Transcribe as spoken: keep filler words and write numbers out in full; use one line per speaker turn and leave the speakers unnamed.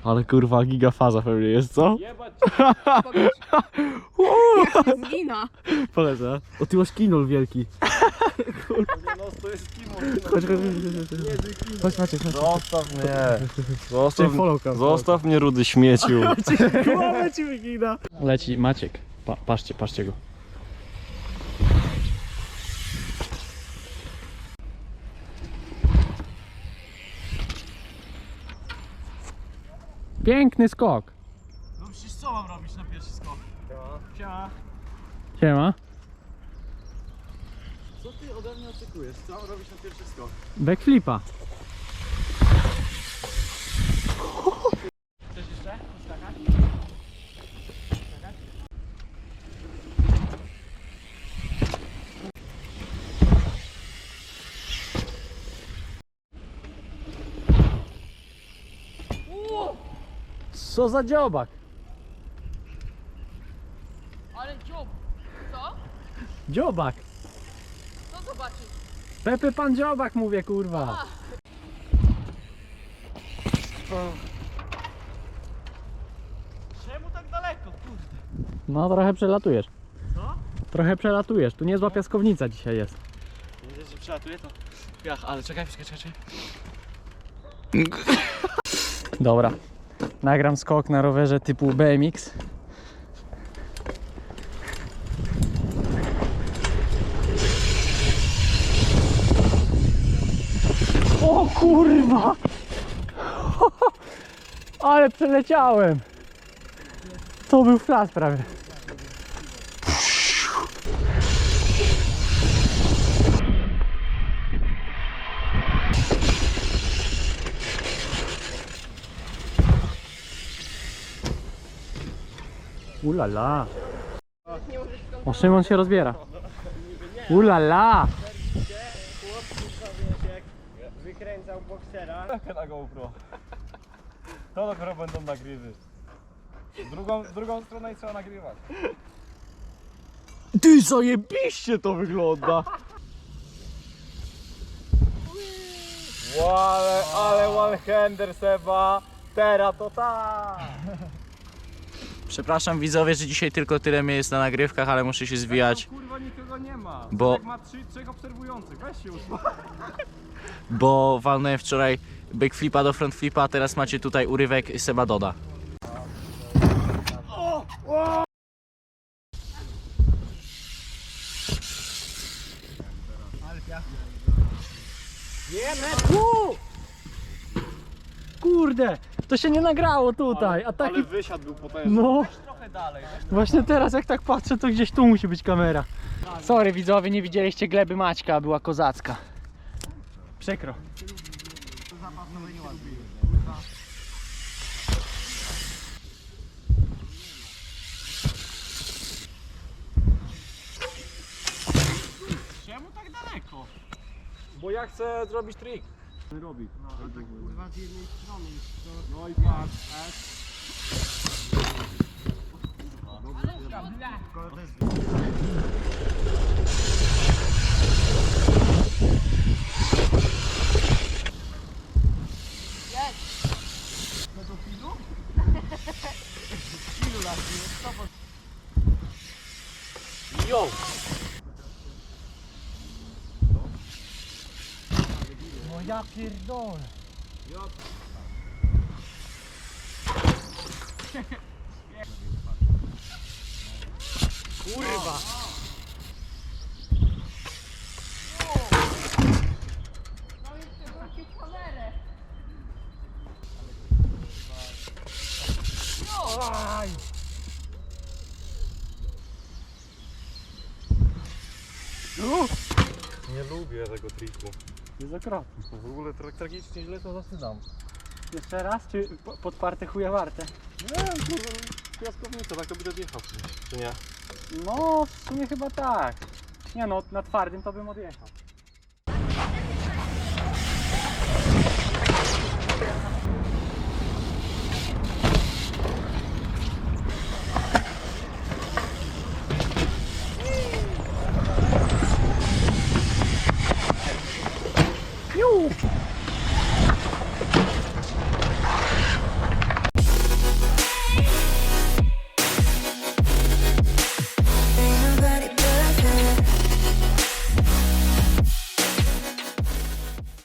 Ale kurwa gigafaza pewnie jest, co?
Jebać!
Zgina.
Polecę. O, ty masz kinol wielki.
No to jest kimo.
Chodź, chodź, chodź. Chodź, Maciek, chodź.
Zostaw mnie. Zostaw,
Followka.
zostaw mnie, rudy śmieciu.
Głowę ci wygina. Leci Maciek. Pa, patrzcie, patrzcie go. Piękny skok.
No przecież co mam robić na pierwszy skok? Siema.
Siema.
Co ty ode mnie oczekujesz? Co mam robić na pierwszy skok?
Backflipa.
Chcesz jeszcze? Skakać?
Co za dziobak?
Ale dziób. Co?
Dziobak.
Co zobaczysz?
Pepe pan dziobak mówię, kurwa.
Czemu tak daleko? Kurde.
No trochę przelatujesz.
Co?
Trochę przelatujesz. Tu niezła piaskownica dzisiaj jest.
Widzę, że przelatuje to. Piach, ale czekaj, czekaj, czekaj.
Dobra. Nagram skok na rowerze typu B M X. O kurwa! Ale przeleciałem! To był flash prawie. Ulala. O, Szymon się rozbiera. Ulala.
Wykręcał boksera. Taka na GoPro. To dopiero będą nagrywy. Drugą, drugą stronę trzeba nagrywać.
Ty, zajebiście to wygląda.
Ale, ale one-hander Seba. Teraz to tak.
Przepraszam widzowie, że dzisiaj tylko tyle mnie jest na nagrywkach, ale muszę się zwijać,
No, kurwa nikogo nie ma.
Bo-
Jak ma trzy, trzech obserwujących. Weź się usłuchaj.
bo walnąłem wczoraj backflipa do frontflipa, a teraz macie tutaj urywek Seba Doda.
Kurde, to się nie nagrało tutaj, a taki...
Ale wysiad był potężny.
No,
Trochę dalej.
właśnie teraz jak tak patrzę, to gdzieś tu musi być kamera. Sorry widzowie, nie widzieliście gleby Maćka, była kozacka. Przykro.
Czemu tak daleko? Bo ja chcę zrobić trik. Robi. No, tak kurwa z jednej strony. No i patrz.
Yo! No ja pierdolę. Kurwa!
No i chcę wrócić kamerę.
Aj!
Nie lubię tego triku.
Jest okropny.
W ogóle tak tragicznie źle to zaczynam.
Jeszcze raz, czy po- podparte chuje warte?
Nie, kurwa, piaskownica, tak to by odjechał, czy nie?
No, w sumie chyba tak. Nie no, na twardym to bym odjechał.